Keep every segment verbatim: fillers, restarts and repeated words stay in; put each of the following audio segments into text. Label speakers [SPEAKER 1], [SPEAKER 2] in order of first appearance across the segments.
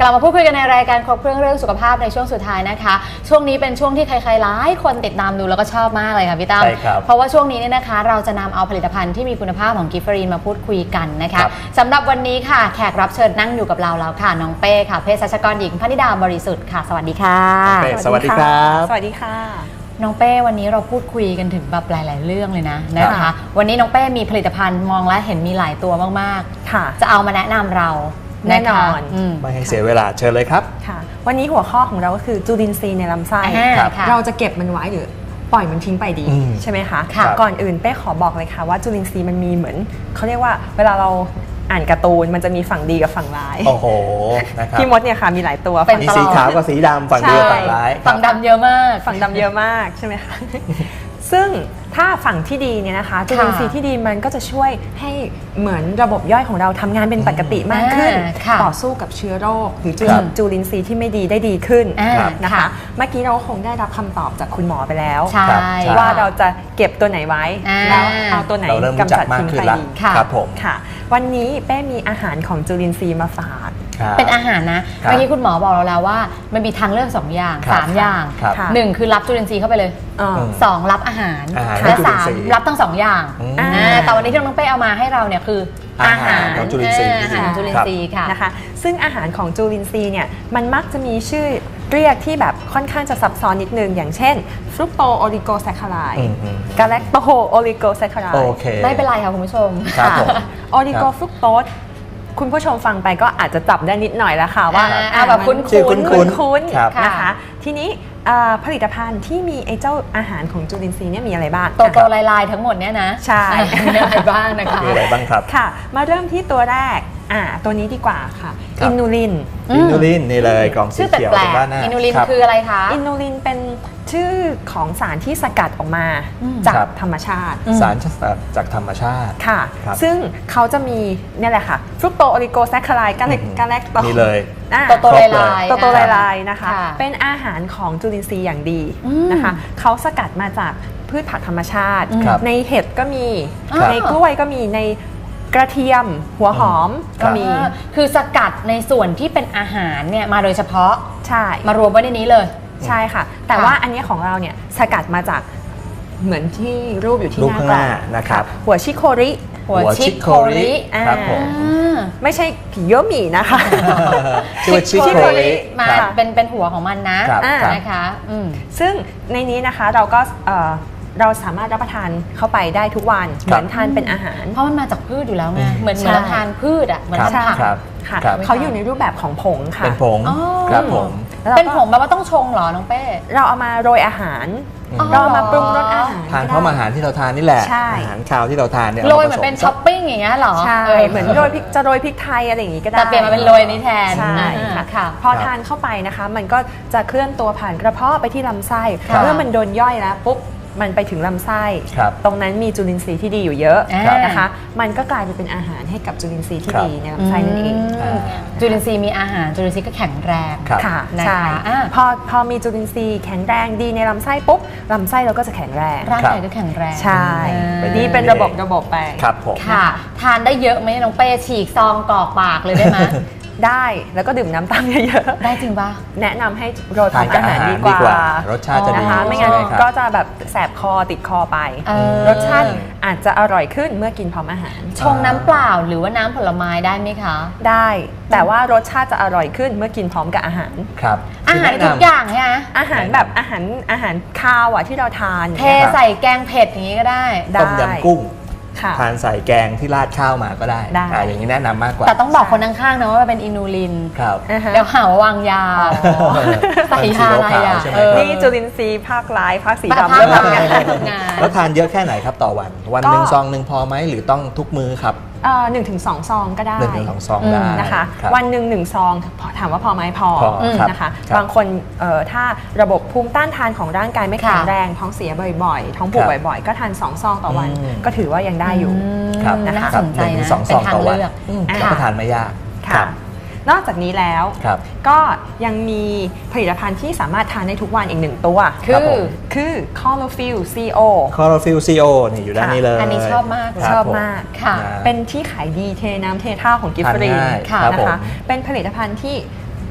[SPEAKER 1] ลับมาพูดคุยกันในรายการครบเครื่องเรื่องสุขภาพในช่วงสุดท้ายนะคะช่วงนี้เป็นช่วงที่ใครๆหลายคนติดตามดูแล้วก็ชอบมากเลยค่ะพี่ตั้มเพราะว่าช่วงนี้เนี่ยนะคะเราจะนำเอาผลิตภัณฑ์ที่มีคุณภาพของกิฟเฟอรีนมาพูดคุยกันนะคะสำหรับวันนี้ค่ะแขกรับเชิญนั่งอยู่กับเราแล้วค่ะน้องเป้ค่ะเภสัชกรหญิงพนิดาบริสุทธิ์ค่ะสวัสดีค่ะ
[SPEAKER 2] สวัสดีครับ
[SPEAKER 3] สวัสดีค่ะ
[SPEAKER 1] น้องเป้วันนี้เราพูดคุยกันถึงแบบหลายๆเรื่องเลยนะนะคะวันนี้น้องเป้มีผลิตภัณฑ์มองและเห็นมีหลายตัวมากๆค่ะจะเอามาแนะนำเรา
[SPEAKER 3] แน่นอน
[SPEAKER 2] ไม่ให้เสียเวลาเชิญเลยครับ
[SPEAKER 3] ค่ะวันนี้หัวข้อของเราก็คือจุลินทรีย์ในลำไส้เราจะเก็บมันไว้หรือปล่อยมันทิ้งไปดีใช่ไหมคะก่อนอื่นเป้ขอบอกเลยค่ะว่าจุลินทรีย์มันมีเหมือนเขาเรียกว่าเวลาเราอ่านการ์ตูนมันจะมีฝั่งดีกับฝั่งร้าย
[SPEAKER 2] โอ้โหนะครับ
[SPEAKER 3] พี่มดเนี่ยค่ะมีหลายตัว
[SPEAKER 2] มีสีขาวกับสีดำฝั่งดีกับฝั่งร้าย
[SPEAKER 1] ฝั่งดำเยอะมาก
[SPEAKER 3] ฝั่งดำเยอะมากใช่ไหมคะซึ่งถ้าฝั่งที่ดีเนี่ยนะคะจุลินทรีย์ที่ดีมันก็จะช่วยให้เหมือนระบบย่อยของเราทำงานเป็นปกติมากขึ้นต่อสู้กับเชื้อโรคหรือจุลินทรีย์ที่ไม่ดีได้ดีขึ้นนะคะเมื่อกี้เราคงได้รับคำตอบจากคุณหมอไปแล้วว่าเราจะเก็บตัวไหนไว้แล้วเอาตัวไหนกำจัดทิ้งไปดี
[SPEAKER 2] ครับผม
[SPEAKER 3] ค่ะวันนี้เป้มีอาหารของจุลินทรีย์มาฝาก
[SPEAKER 1] เป็นอาหารนะเมื่อกี้คุณหมอบอกเราแล้วว่ามันมีทางเลือกสองอย่างสามอย่างหนึ่งคือรับจุลินทรีย์เข้าไปเลยสองรับอาหารและสามรับทั้งสองอย่างแต่วันนี้ที่น้องเป้เอามาให้เราเนี่ยคืออาหาร
[SPEAKER 2] ของจุลินทรีย์
[SPEAKER 1] อาหารจุลินทรีย์ค่ะ
[SPEAKER 3] นะคะซึ่งอาหารของจุลินทรีย์เนี่ยมันมักจะมีชื่อเรียกที่แบบค่อนข้างจะซับซ้อนนิดนึงอย่างเช่นฟรุกโตโอลิโกแซคคาไรด์กาแลคโตโอลิโกแซคคาไรด์
[SPEAKER 1] ไม่เป็นไรค่ะคุณผู้ชม
[SPEAKER 3] โอลิโกฟรุกโตสคุณผู้ชมฟังไปก็อาจจะจับได้นิดหน่อยแล้วค่ะว่า
[SPEAKER 1] แบบคุ้น
[SPEAKER 3] คุ้นคุ้นนะคะทีนี้ผลิตภัณฑ์ที่มีไอ้เจ้าอาหารของจุลินทรีย์เนี่ยมีอะไรบ้าง
[SPEAKER 1] โตโตลายๆทั้งหมดเนี่ยนะ
[SPEAKER 3] ใช่
[SPEAKER 1] มีอะไรบ้างนะคะ
[SPEAKER 2] มีอะไรบ้างครับ
[SPEAKER 3] ค่ะมาเริ่มที่ตัวแรกอ่าตัวนี้ดีกว่าค่ะอินูลิน
[SPEAKER 2] อินูลินนี่เลยกล่องสีเขียว
[SPEAKER 1] ตรงด้านหน้าอินูลินคืออะไรคะ
[SPEAKER 3] อินูลินเป็นชื่อของสารที่สกัดออกมาจากธรรมชาติ
[SPEAKER 2] สารจากธรรมชาติ
[SPEAKER 3] ค่ะซึ่งเขาจะมีนี่แหละค่ะฟรุกโตโอลิโกแซคคาไรด์กาเลกกาแลคโต
[SPEAKER 2] นี่เลย
[SPEAKER 1] โตโตลาย
[SPEAKER 3] โตโตลายๆนะคะเป็นอาหารของจุลินทรีย์อย่างดีนะคะเขาสกัดมาจากพืชผักธรรมชาติในเห็ดก็มีในกล้วยก็มีในกระเทียมหัวหอมก็มี
[SPEAKER 1] คือสกัดในส่วนที่เป็นอาหารเนี่ยมาโดยเฉพาะ
[SPEAKER 3] ใช่
[SPEAKER 1] มารวมไว้ในนี้เลย
[SPEAKER 3] ใช่ค่ะแต่ว่าอันนี้ของเราเนี่ยสกัดมาจากเหมือนที่รูปอยู่ที่หน้ากล่อง
[SPEAKER 2] นะครับ
[SPEAKER 3] หัวชิโคริ
[SPEAKER 1] หัวชิโคริ
[SPEAKER 2] ครับผม
[SPEAKER 3] ไม่ใช่ผีโยหมี่นะคะ
[SPEAKER 2] ชื่อชิโคริ
[SPEAKER 1] มาเป็นเป็นหัวของมันนะนะคะ
[SPEAKER 3] ซึ่งในนี้นะคะเราก็เราสามารถรับประทานเข้าไปได้ทุกวันเหมือนทานเป็นอาหาร
[SPEAKER 1] เพราะมันมาจากพืชอยู่แล้วไงเหมือนเหมือนทานพืชอ่ะเหมือนทานผัก
[SPEAKER 3] ค่ะเขาอยู่ในรูปแบบของผงค่ะ
[SPEAKER 2] เป็นผงครับผม
[SPEAKER 1] เป็นผงแบบว่าต้องชงเหรอน้องเป้
[SPEAKER 3] เราเอามาโรยอาหารเราเอามาปรุงรสอาหาร
[SPEAKER 2] ทานเพราะอาหารที่เราทานนี่แหละอาหารคาวที่เราทานเนี่ย
[SPEAKER 1] โรยเหมือนเป็นช้อปปิ้งอย่างเงี้ยหรอ
[SPEAKER 3] ใช่เหมือนโรยพริกจะโรยพริกไทยอะไรอย่างงี้ก็ได้
[SPEAKER 1] แต่เปลี่ยนมาเป็นโรยนี้แทน
[SPEAKER 3] ใช่ค่ะพอทานเข้าไปนะคะมันก็จะเคลื่อนตัวผ่านกระเพาะไปที่ลำไส้เมื่อมันโดนย่อยแล้วปุ๊บมันไปถึงลำไส้ตรงนั้นมีจุลินทรีย์ที่ดีอยู่เยอะนะคะมันก็กลายเป็นอาหารให้กับจุลินทรีย์ที่ดีในลำไส้นั่นเอง
[SPEAKER 1] จุลินทรีย์มีอาหารจุลินทรีย์ก็แข็งแรง
[SPEAKER 3] ค่ะใช่พอพอมีจุลินทรีย์แข็งแรงดีในลำไส้ปุ๊บลำไส้เราก็จะแข็งแรง
[SPEAKER 1] ร่างกายก็แข็งแรง
[SPEAKER 3] ใช่นี่เป็นระบบระบบไป
[SPEAKER 2] ครับผม
[SPEAKER 1] ค่ะทานได้เยอะไหมน้องเป้ฉีกซองกรอกปากเลยได้ไหม
[SPEAKER 3] ได้แล้วก็ดื่มน้ำตามเยอะ
[SPEAKER 1] ๆได้จริงป่ะ
[SPEAKER 3] แนะนำให้โรยทานอาหารดีกว่
[SPEAKER 2] ารสชาติจะดี
[SPEAKER 3] นะคะไม่งั้นก็จะแบบแสบคอติดคอไปรสชาติอาจจะอร่อยขึ้นเมื่อกินพร้อมอาหาร
[SPEAKER 1] ชงน้ำเปล่าหรือว่าน้ำผลไม้ได้ไหมคะ
[SPEAKER 3] ได้แต่ว่ารสชาติจะอร่อยขึ้นเมื่อกินพร้อมกับอาหาร
[SPEAKER 2] ครับ
[SPEAKER 1] อาหารทุกอย่างใช่ไหม
[SPEAKER 3] อาหารแบบอาหารอาหารคาวอ่ะที่เราทาน
[SPEAKER 1] เทใส่แกงเผ็ดอย่างนี้ก็ได้
[SPEAKER 2] ต้มยำกุ้งทานใส่แกงที่ราดข้าวมาก็ได้อย่างนี้แนะนำมากกว่า
[SPEAKER 1] แต่ต้องบอกคนข้างๆนะว่าเป็นอินูลิน
[SPEAKER 2] ครับ
[SPEAKER 1] แล้วหาว่าวางยาใส่ยาอะไรอ่ะ
[SPEAKER 3] นี่จุลินทรีย์ภาคร้ายภาคสีดำเริ่มทำงาน
[SPEAKER 2] แล้วทานเยอะแค่ไหนครับต่อวันวันหนึ่งซองหนึ่งพอไหมหรือต้องทุกมื้อครับ
[SPEAKER 3] หนึ่งถึงสองซองก็ได้
[SPEAKER 2] หนึ่งถึงสองซองได้
[SPEAKER 3] นะคะวันหนึ่งหนึ่งซองถามว่าพอไหมพอนะคะบางคนถ้าระบบภูมิต้านทานของร่างกายไม่แข็งแรงท้องเสียบ่อยๆท้องผูกบ่อยๆก็ทานสองซองต่อวันก็ถือว่ายังได้อยู่
[SPEAKER 1] น่าสนใจนะ
[SPEAKER 2] สองซองต่อวันรับประทานไม่ยาก
[SPEAKER 3] นอกจากนี้แล้วก็ยังมีผลิตภัณฑ์ที่สามารถทานได้ทุกวันอีกหนึ่งตัว
[SPEAKER 1] คือ
[SPEAKER 3] คือ Chlorophyll ซี โอ
[SPEAKER 2] Chlorophyll ซี โอ นี่อยู่ด้านนี้เลย
[SPEAKER 1] อันนี้ชอบมาก
[SPEAKER 3] ชอบมากค่ะเป็นที่ขายดีเทน้ำเทท่าของกิฟฟรีนะคะเป็นผลิตภัณฑ์ที่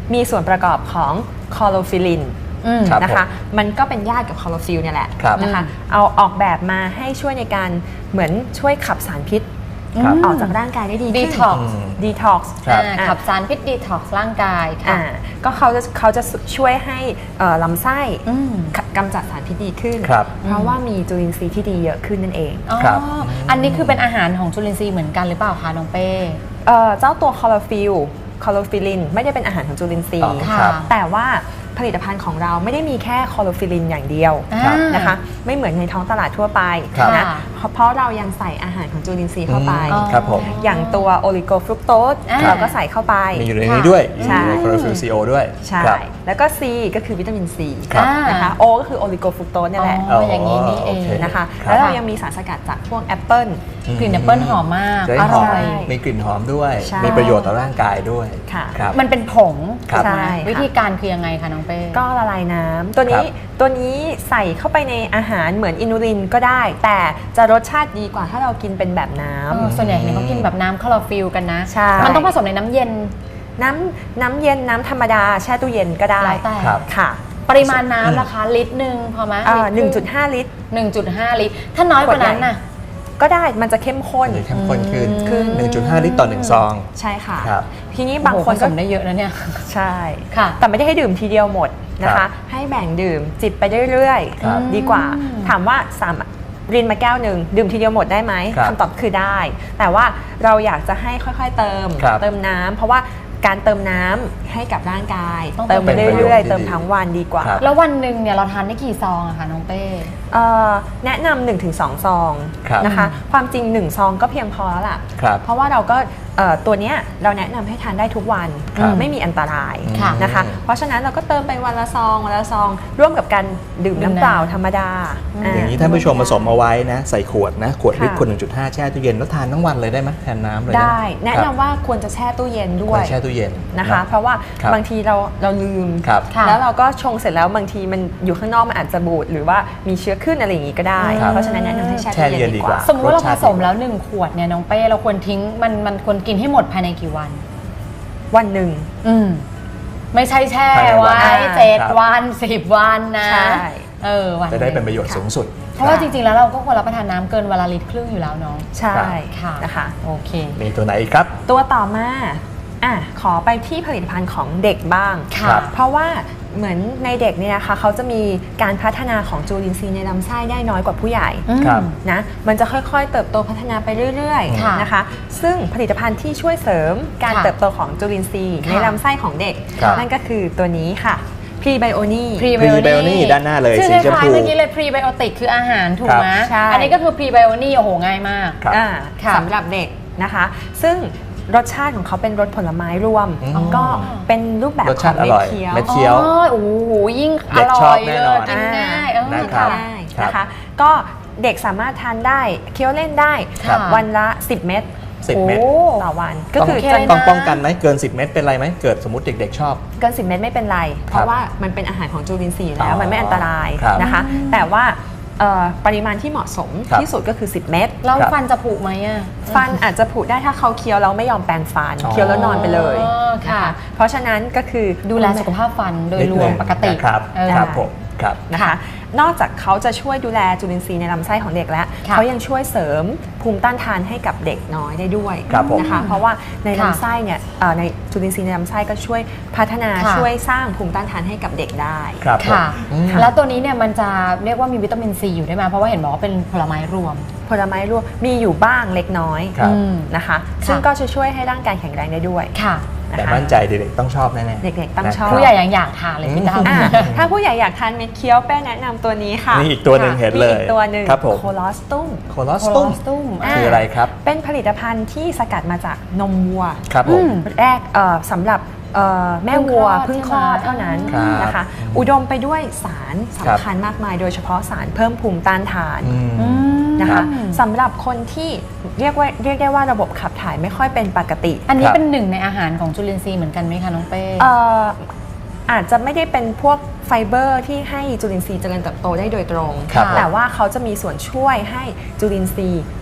[SPEAKER 3] มีส่วนประกอบของคลอโรฟิลลิน
[SPEAKER 1] อืม
[SPEAKER 3] นะคะมันก็เป็นญาติกับคลอโรฟิลเนี่ยแหละ
[SPEAKER 2] ครับ
[SPEAKER 3] นะคะเอาออกแบบมาให้ช่วยในการเหมือนช่วยขับสารพิษ
[SPEAKER 2] ครับ
[SPEAKER 3] ออกจากร่างกายได้ดีขึ้น
[SPEAKER 1] Detox
[SPEAKER 3] ดีท็อกซ์
[SPEAKER 2] ครับ
[SPEAKER 1] อ่าขับสารพิษดีท็อกซ์ร่างกายค่ะ
[SPEAKER 3] ก็เขาจะเขาจะช่วยให้เอ่อลำไส้
[SPEAKER 1] อืม
[SPEAKER 3] กำจัดสารพิษดีขึ้น
[SPEAKER 2] ครับ
[SPEAKER 3] เพราะว่ามีจุลินทรีย์ที่ดีเยอะขึ้นนั่นเอง
[SPEAKER 1] อ๋อ
[SPEAKER 2] ครับ
[SPEAKER 1] อันนี้คือเป็นอาหารของจุลินทรีย์เหมือนกันหรือเปล่าคะน้องเป้
[SPEAKER 3] เอ่อเจ้าตัวคลอโรฟิลคลอโรฟิลลินไม่ได้เป็นอาหารของจุลินทรี
[SPEAKER 2] อ๋
[SPEAKER 3] ย์
[SPEAKER 2] อ
[SPEAKER 1] ค่ะ
[SPEAKER 2] ครับ
[SPEAKER 3] แต่ว่าผลิตภัณฑ์ของเราไม่ได้มีแค่คลอโรฟิลลินอย่างเดียว
[SPEAKER 1] ครับ
[SPEAKER 3] นะคะไม่เหมือนในท้องตลาดทั่วไป
[SPEAKER 2] ครับ
[SPEAKER 3] นะเพราะเรายังใส่อาหารของจุลินทรีย์เข้าไป
[SPEAKER 2] อืมครับผม
[SPEAKER 3] อย่างตัวโอลิโกฟรุกโตส
[SPEAKER 1] อ่า
[SPEAKER 3] เราก็ใส่เข้าไป
[SPEAKER 2] มีอยู่ในนี้ด้วย
[SPEAKER 3] ใช่
[SPEAKER 2] คลอโรฟิลซีโอด้วย
[SPEAKER 3] ใช่
[SPEAKER 2] ครับ
[SPEAKER 3] แล้วก็ C ก็คือวิตามิน C
[SPEAKER 2] ครับ
[SPEAKER 3] นะคะ O ก็คือโอลิโกฟรุกโตสเนี่ยแหละ
[SPEAKER 1] อ๋ออย่างนี้นี่เอง
[SPEAKER 2] โอเค
[SPEAKER 3] นะคะ
[SPEAKER 2] ครับ
[SPEAKER 3] แล้วเรายังมีสารสกัดจากพวกแอปเปิล
[SPEAKER 1] กลิ่นแอปเปิ้ลหอมมาก
[SPEAKER 2] จะ
[SPEAKER 1] อ
[SPEAKER 2] ได้หอ
[SPEAKER 1] ร่
[SPEAKER 2] ม
[SPEAKER 1] อย
[SPEAKER 2] มีกลิ่นหอมด้วย
[SPEAKER 3] ใช่
[SPEAKER 2] มีประโยชน์ต่อร่างกายด้วย
[SPEAKER 3] ค่ะ
[SPEAKER 2] ครับ
[SPEAKER 1] มันเป็นผง
[SPEAKER 2] ครับ
[SPEAKER 1] ถูกไหม
[SPEAKER 3] ใช่ค่ะ
[SPEAKER 1] วิธีการคือยังไงคะน้องเป้
[SPEAKER 3] ก็ละลายน้ำตัวนี้
[SPEAKER 2] ครับ
[SPEAKER 3] ตัวนี้ใส่เข้าไปในอาหารเหมือนอินูลินก็ได้ แต่จะรสชาติดีกว่าถ้าเรากินเป็นแบบน้ำ
[SPEAKER 1] เออส่วนใหญ่เนี่ยเขากินแบบน้ำคลอโรฟิลกันนะ
[SPEAKER 3] ใช่
[SPEAKER 1] มันต้องผสมในน้ำเย็น
[SPEAKER 3] น้ำน้ำเย็นน้ำธรรมดาแช่ตู้เย็นก็ได้
[SPEAKER 1] แล้วแต่
[SPEAKER 2] ครับ
[SPEAKER 3] ค่ะ
[SPEAKER 1] ปริมาณน้ำนะคะ ลิตรหนึ่งพอไหม
[SPEAKER 3] เอ่อ
[SPEAKER 1] ลิตรครึ่
[SPEAKER 3] หนึ่งจุดห้าลิตร
[SPEAKER 1] หนึ่งจุดห้าลิตร ถ้าน้อยกว่านั้นน่ะ
[SPEAKER 3] ก็ได้มันจะเข้มข้น
[SPEAKER 2] มันจะเข้มข้นขึ้น
[SPEAKER 3] ขึ้น
[SPEAKER 2] หนึ่งจุดห้า ลิตรต่อหนึ่งซอง
[SPEAKER 3] ใช่ค่ะ
[SPEAKER 2] ครับ
[SPEAKER 3] ทีนี้
[SPEAKER 1] บา
[SPEAKER 3] บาง ง
[SPEAKER 1] ค
[SPEAKER 3] คน น
[SPEAKER 1] ผ
[SPEAKER 3] ก็
[SPEAKER 1] สมได้เยอะนะเนี่ย
[SPEAKER 3] ใช่
[SPEAKER 1] ค่ะ
[SPEAKER 3] แต่ไม่ได้ให้ดื่มทีเดียวหมดนะ
[SPEAKER 2] ครั
[SPEAKER 3] คะ
[SPEAKER 2] บ
[SPEAKER 3] ให้แบ่งดื่มจิบไปเรื่อย
[SPEAKER 2] ครับ
[SPEAKER 3] ๆดีกว่า ถามว่าสามรินมาแก้วหนึ่งดื่มทีเดียวหมดได้ไหม
[SPEAKER 2] ครับ
[SPEAKER 3] คำตอบคือได้ แต่ว่าเราอยากจะให้ค่อยๆเติม
[SPEAKER 2] ครับ
[SPEAKER 3] เติมน้ำเพราะว่าการเติมน้ำให้กับร่างกาย
[SPEAKER 1] ต้อง
[SPEAKER 3] เติมไป
[SPEAKER 2] เป็นประโยชน์
[SPEAKER 3] เรื่อย
[SPEAKER 2] ที่
[SPEAKER 3] ๆ เติม
[SPEAKER 2] ดี
[SPEAKER 3] ทั้งวันดีกว่า
[SPEAKER 2] ครับ
[SPEAKER 1] แล้ววันหนึ่งเนี่ยเราทานได้กี่ซองอะคะน้องเป้
[SPEAKER 3] เอ่อแนะนำหนึ่งถึงสองซอง
[SPEAKER 2] ครับ
[SPEAKER 3] นะคะ ความจริงหนึ่งซองก็เพียงพอแล้วล่ะ
[SPEAKER 2] ครับ
[SPEAKER 3] เพราะว่าเราก็เอ่อตัวเนี้ยเราแนะนำให้ทานได้ทุกวัน
[SPEAKER 2] ครับ
[SPEAKER 3] ไม่มีอันตราย
[SPEAKER 1] ค่ะ
[SPEAKER 3] นะคะ เพราะฉะนั้นเราก็เติมไปวันละซองวันละซอง ร่วมกับการดื่ม
[SPEAKER 1] ดื่ม
[SPEAKER 3] น้ำเปล่า
[SPEAKER 1] น้ำ
[SPEAKER 3] ธรรมดา
[SPEAKER 2] อย่างนี้ท่านผู้ชมผสมเอาไว้นะ ใส่ขวดนะ ขวด
[SPEAKER 3] ค่ะ
[SPEAKER 2] ลิตรขวด หนึ่งจุดห้า แช่ตู้เย็นแล้วทานทั้งวันเลยได้ไหมแทนน้ำเลยนะ
[SPEAKER 3] ได้ แนะ
[SPEAKER 2] ครั
[SPEAKER 3] นำ
[SPEAKER 2] บ
[SPEAKER 3] ว่าควรจะแช่ตู้เย็นด้
[SPEAKER 2] คว
[SPEAKER 3] วย
[SPEAKER 2] รแช่ตู้เย็น
[SPEAKER 3] นะคะ
[SPEAKER 2] เนอ
[SPEAKER 3] เพราะว่า
[SPEAKER 2] ครับ
[SPEAKER 3] บางทีเราเราลืม
[SPEAKER 2] ครับ
[SPEAKER 1] ค่ะ
[SPEAKER 3] แล้วเราก็ชงเสร็จแล้วบางทีมันอยู่ข้างนอกมันอาจจะบูดหรือว่ามีเชื้อขึ้นอะไรอย่างนี้ก็ได้
[SPEAKER 2] ครับ
[SPEAKER 3] เพราะฉะนั้นแนะนำให้แช่
[SPEAKER 2] แช่
[SPEAKER 3] ตู้
[SPEAKER 2] เย็
[SPEAKER 3] เย็
[SPEAKER 2] น
[SPEAKER 3] น
[SPEAKER 2] ดี
[SPEAKER 3] ดี
[SPEAKER 2] ก
[SPEAKER 3] ก
[SPEAKER 2] ว่า
[SPEAKER 3] ว่า
[SPEAKER 1] สมมุติว่าเราผสมแล้วหนึ่งขวดเนี่ยน้องเป้เราควรทิ้งมันมันควรกินให้หมดภายในกี่วัน
[SPEAKER 3] วันหนึ่ง
[SPEAKER 1] อืมไม่ใช่แช่
[SPEAKER 2] ภายในวัน
[SPEAKER 1] ไว้เจ็ด
[SPEAKER 2] ครับ
[SPEAKER 1] วันสิบวันนะ
[SPEAKER 3] ใช่
[SPEAKER 1] เออวัน
[SPEAKER 2] จะได้เป็น
[SPEAKER 1] ห
[SPEAKER 2] ประโยชน์สูงสุด
[SPEAKER 1] เพราะว่าจริงๆแล้วเราก็ควรรับประทานน้ำเกินวันละลิตรครึ่งอยู่แล้วเนาะ
[SPEAKER 3] ใช่
[SPEAKER 1] ค่ะ
[SPEAKER 3] นะคะ
[SPEAKER 1] โอเค
[SPEAKER 2] มีตัวไหนอีกครับ
[SPEAKER 3] ตัวต่อมาอ่ะขอไปที่ผลิตภัณฑ์ของเด็กบ้าง
[SPEAKER 1] ค่ะ
[SPEAKER 2] ครับ
[SPEAKER 3] เพราะว่าเหมือนในเด็กเนี่ยนะคะเขาจะมีการพัฒนาของจุลินทรีย์ในลำไส้ได้น้อยกว่าผู้ใหญ่
[SPEAKER 1] อืม
[SPEAKER 2] ครับ
[SPEAKER 3] นะมันจะค่อยๆ เติบโตพัฒนาไปเรื่อย
[SPEAKER 1] ค่ะ
[SPEAKER 3] ๆนะคะซึ่งผลิตภัณฑ์ที่ช่วยเสริมการ
[SPEAKER 1] ค่ะ
[SPEAKER 3] เติบโตของจุลินทรีย์
[SPEAKER 1] ค่ะ
[SPEAKER 3] ในลำไส้ของเด็ก
[SPEAKER 2] ครับ
[SPEAKER 3] นั่นก็คือตัวนี้ค่ะพรีไบโอนี
[SPEAKER 2] Prebiotic ด้านหน้าเลย
[SPEAKER 1] ชื่อ
[SPEAKER 2] สี
[SPEAKER 1] ค
[SPEAKER 2] ชม
[SPEAKER 1] ล้าย
[SPEAKER 2] พู
[SPEAKER 1] ๆเมื่อกี้เลยพรีไบโอติกคืออาหารถูกไหม
[SPEAKER 3] ใช่
[SPEAKER 1] อันนี้ก็คือพรีไบโอนี่โอ้โหง่ายมาก
[SPEAKER 2] ครับ
[SPEAKER 3] อ่า
[SPEAKER 1] ค่ะ
[SPEAKER 3] สำหรับเด็กนะคะ ซึ่งรสชาติของเขาเป็นรสผลไม้รวม
[SPEAKER 2] อืม
[SPEAKER 3] ก็เป็นรูปแบบ
[SPEAKER 2] รส
[SPEAKER 3] ข
[SPEAKER 2] ชา
[SPEAKER 3] อ
[SPEAKER 2] ติ
[SPEAKER 3] งเม็
[SPEAKER 2] อ
[SPEAKER 3] ด
[SPEAKER 2] ร่อย
[SPEAKER 3] เคี้ยว
[SPEAKER 2] เม็ดเคี้ยว
[SPEAKER 1] อ๋อโอ้โหยิ่งอ
[SPEAKER 2] เด็ก
[SPEAKER 1] ร่
[SPEAKER 2] ชอ
[SPEAKER 1] อบ ย
[SPEAKER 2] แน่
[SPEAKER 1] เล
[SPEAKER 2] นอน
[SPEAKER 1] ยกินง่ายเออ
[SPEAKER 2] นะครับ
[SPEAKER 3] ได้
[SPEAKER 2] ครับ
[SPEAKER 3] นะคะ ก็เด็กสามารถทานได้เคี้ยวเล่นได้
[SPEAKER 1] ครับ
[SPEAKER 3] วันละสิบเม็ด
[SPEAKER 2] สิบเม็ด
[SPEAKER 1] โอ้
[SPEAKER 3] ต่อวันก็
[SPEAKER 2] ต้อง
[SPEAKER 3] คือ
[SPEAKER 1] โอเค
[SPEAKER 3] จะ
[SPEAKER 1] เลย
[SPEAKER 2] ต้อง
[SPEAKER 1] นะ
[SPEAKER 2] ป้องกันไหมเกินสิบเม็ดเป็นไรไหมเกิดสมมติเด็กๆชอบ
[SPEAKER 3] เกินสิบเม็ดไม่เป็นไร เพ
[SPEAKER 2] ครับ
[SPEAKER 3] ราะว่ามันเป็นอาหารของจุลินทรีย์อยู่แล้
[SPEAKER 2] อ๋
[SPEAKER 3] ว
[SPEAKER 2] อ
[SPEAKER 3] มันไม่อันตราย
[SPEAKER 2] ครับ
[SPEAKER 3] นะคะ แต่ว่าเอ่อปริมาณที่เหมาะสม
[SPEAKER 2] ครับ
[SPEAKER 3] ที่สุดก็คือสิบเม็ด
[SPEAKER 1] แล้ว
[SPEAKER 2] ครับ
[SPEAKER 1] ฟันจะผุไหมอ่ะ
[SPEAKER 3] ฟันอาจจะผุได้ถ้าเขาเคี้ยวแล้วไม่ยอมแปรงฟัน
[SPEAKER 2] อ๋อ
[SPEAKER 3] เคี้ยวแล้วนอนไปเลย
[SPEAKER 1] อ๋อค่ะ
[SPEAKER 3] นเพราะฉะนั้นก็คือ
[SPEAKER 1] ดูแลสุขภาพฟันโดย
[SPEAKER 2] นิด
[SPEAKER 1] ร
[SPEAKER 2] นึ
[SPEAKER 1] วม
[SPEAKER 2] ง
[SPEAKER 1] ปกติ
[SPEAKER 2] นะครับ
[SPEAKER 1] เออ
[SPEAKER 2] ครับผมครับ
[SPEAKER 3] นะคะ นอกจากเขาจะช่วยดูแลจุลินทรีย์ในลำไส้ของเด็กแล้ว
[SPEAKER 1] ค่ะ
[SPEAKER 3] เขายังช่วยเสริมภูมิต้านทานให้กับเด็กน้อยได้ด้วย
[SPEAKER 2] ครับผม
[SPEAKER 3] นะคะ เพราะว่าใน
[SPEAKER 1] ค่ะ
[SPEAKER 3] ลำไส้เนี่ยเอ่อในจุลินทรีย์ในลำไส้ก็ช่วยพัฒนา
[SPEAKER 1] ค่ะ
[SPEAKER 3] ช่วยสร้างภูมิต้านทานให้กับเด็กได้
[SPEAKER 2] ครับผม
[SPEAKER 1] ค่ะ
[SPEAKER 2] อืม
[SPEAKER 1] แล้วตัวนี้เนี่ยมันจะเรียกว่ามีวิตามินซีอยู่ได้ไหมเพราะว่าเห็นบอกว่าเป็นผลไม้รวม
[SPEAKER 3] ผลไม้รวมมีอยู่บ้างเล็กน้อย
[SPEAKER 2] ครับ
[SPEAKER 1] อืม
[SPEAKER 3] นะคะ ซึ่งก็จะช่วยให้ร่างกายแข็งแรงได้ด้วย
[SPEAKER 1] ค่ะ
[SPEAKER 3] นะ
[SPEAKER 2] แต่
[SPEAKER 3] คะ
[SPEAKER 2] มั่นใจเด็กๆต้องชอบแน่ๆ
[SPEAKER 3] เด็กๆต้องชอบ
[SPEAKER 2] นะครับ
[SPEAKER 1] ผู้ใหญ่ยังอยากทานเลยพี่ดาว
[SPEAKER 3] อ่ะถ้าผู้ใหญ่อยากทานเม็ดเคี้ยวแป้แนะนำตัวนี้ค่ะ
[SPEAKER 2] นี่อีกตัวหนึ่งเห็นเลย
[SPEAKER 3] มีอีกตัวหนึ่ง
[SPEAKER 2] ครับผม
[SPEAKER 3] โคลอสตุม
[SPEAKER 2] โคลอสตุม
[SPEAKER 1] Colostrum
[SPEAKER 2] คืออะไรครับ
[SPEAKER 3] เป็นผลิตภัณฑ์ที่สกัดมาจากนมวัว
[SPEAKER 2] ครับผม
[SPEAKER 3] แรกเอ่อสำหรับเอ่อแม่วัว
[SPEAKER 1] เพิ่
[SPEAKER 3] เพิ่
[SPEAKER 1] ง
[SPEAKER 3] ง
[SPEAKER 1] ค
[SPEAKER 3] ค
[SPEAKER 1] ล
[SPEAKER 3] ล
[SPEAKER 1] อ
[SPEAKER 3] อ
[SPEAKER 1] ด
[SPEAKER 3] ดเท่านั้น
[SPEAKER 2] ครับ
[SPEAKER 3] นะคะ อุดมไปด้วยสารสำคัญมากมาย โดยเฉพาะสารเพิ่มภูมิต้านทาน
[SPEAKER 2] อืม
[SPEAKER 1] อืม
[SPEAKER 3] นะคะสำหรับคนที่เรียกว่าเรียกได้ว่าระบบขับถ่ายไม่ค่อยเป็นปกติ
[SPEAKER 1] อันนี้
[SPEAKER 2] ครับ
[SPEAKER 1] เป็นหนึ่งในอาหารของจุลินทรีย์เหมือนกันไหมคะน้องเป้
[SPEAKER 3] เอ่ออาจจะไม่ได้เป็นพวกไฟเบอร์ที่ให้จุลินทรีย์เจริญเติบโตได้โดยตรง
[SPEAKER 2] ครับ
[SPEAKER 3] แต่ว่าเขาจะมีส่วนช่วยให้จุลินทรีย์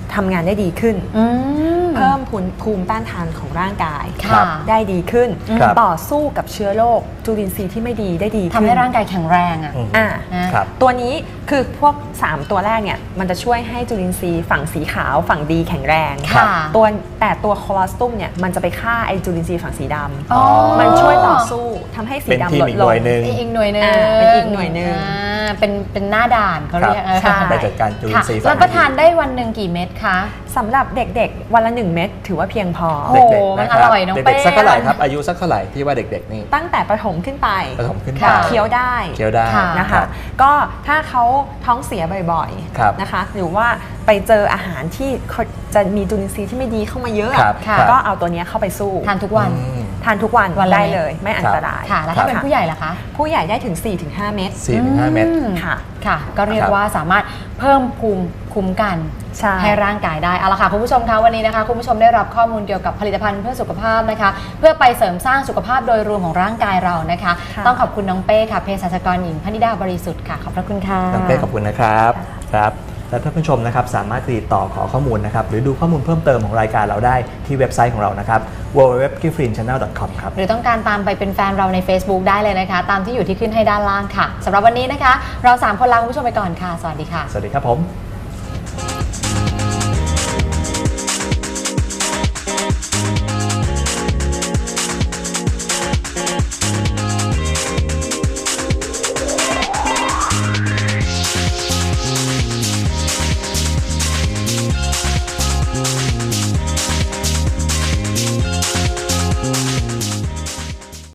[SPEAKER 3] ทำงานได้ดีขึ้น เพิ่มภูมิต้านทานของร่างกายได้ดีขึ้นต่อสู้กับเชื้อโรคจุลินทรีย์ที่ไม่ดีได้ดีขึ้น
[SPEAKER 1] ทำให้ร่างกายแข็งแรงอ่ะ
[SPEAKER 3] อ่าตัวนี้คือพวกสามตัวแรกเนี่ยมันจะช่วยให้จุลินทรีย์ฝั่งสีขาวฝั่งดีแข็งแรงตัวแต่ตัวโคลอสตุมเนี่ยมันจะไปฆ่าไอจุลินทรีย์ฝั่งสีดำมันช่วยต่อสู้ทำให้สีดำลดลง
[SPEAKER 2] เป็น
[SPEAKER 1] อีกหน่วยหนึ่ง
[SPEAKER 3] เป็นอีกหน่วยหนึ่ง
[SPEAKER 1] เป็นเป็นหน้าด่านเขาเรียก
[SPEAKER 2] ไปจัดการจุลินทรีย์
[SPEAKER 1] แล้วประทานได้วันหนึ่งกี่เม็ดคะ
[SPEAKER 3] สำหรับเด็กๆวันละหนึ่งเม็ดถือว่าเพียงพอ
[SPEAKER 1] โอ้โหมันอร่อยน้องเป้
[SPEAKER 2] เด็กๆสักเท่าไหร่ครับอายุสักเท่าไหร่ที่ว่าเด็กๆนี่
[SPEAKER 3] ตั้งแต่ประถมขึ้นไป
[SPEAKER 2] ประถมขึ้นไป
[SPEAKER 3] เคี้ยวได้
[SPEAKER 2] เคี้ยวได้
[SPEAKER 3] นะคะก็ถ้าเขาท้องเสียบ่อยๆนะคะหรือว่าไปเจออาหารที่จะมีจุลินทรีย์ที่ไม่ดีเข้ามาเยอะก็เอาตัวนี้เข้าไปสู้
[SPEAKER 1] ทานทุกวัน
[SPEAKER 3] ทานทุกวันได้เลยไม่อันตราย
[SPEAKER 1] ค่ะแล้วถ้าเป็นผู้ใหญ่ล่ะคะ
[SPEAKER 3] ผู้ใหญ่ได้ถึง สี่ถึงห้า เม็ด
[SPEAKER 2] สี่ถึงห้า เม็ด
[SPEAKER 3] ค่ะ
[SPEAKER 1] ค่ะก็เรียกว่าสามารถเพิ่มภูมิคุ้มกันให้ร่างกายได้เอาละค่ะคุณผู้ชมคะวันนี้นะคะคุณผู้ชมได้รับข้อมูลเกี่ยวกับผลิตภัณฑ์เพื่อสุขภาพนะคะเพื่อไปเสริมสร้างสุขภาพโดยรวมของร่างกายเรานะคะต้องขอบคุณน้องเป้ค่ะเภสัชกรหญิงพนิดาบริสุทธิ์ค่ะขอบพระคุณค่ะ
[SPEAKER 2] น้องเป้ขอบคุณนะครับครับและท่านผู้ชมนะครับสามารถติดต่อขอข้อมูลนะครับหรือดูข้อมูลเพิ่มเติมของรายการเราได้ที่เว็บไซต์ของเรานะครับ ดับเบิลยู ดับเบิลยู ดับเบิลยู ดอท กิฟฟรีน แชนแนล ดอท คอม ครับ
[SPEAKER 1] หรือต้องการตามไปเป็นแฟนเราใน Facebook ได้เลยนะคะตามที่อยู่ที่ขึ้นให้ด้านล่างค่ะสำหรับวันนี้นะคะเราสามคนลาคุณผู้ชมไปก่อนค่ะสวัสดีค่ะ
[SPEAKER 2] สวัสดีครับผม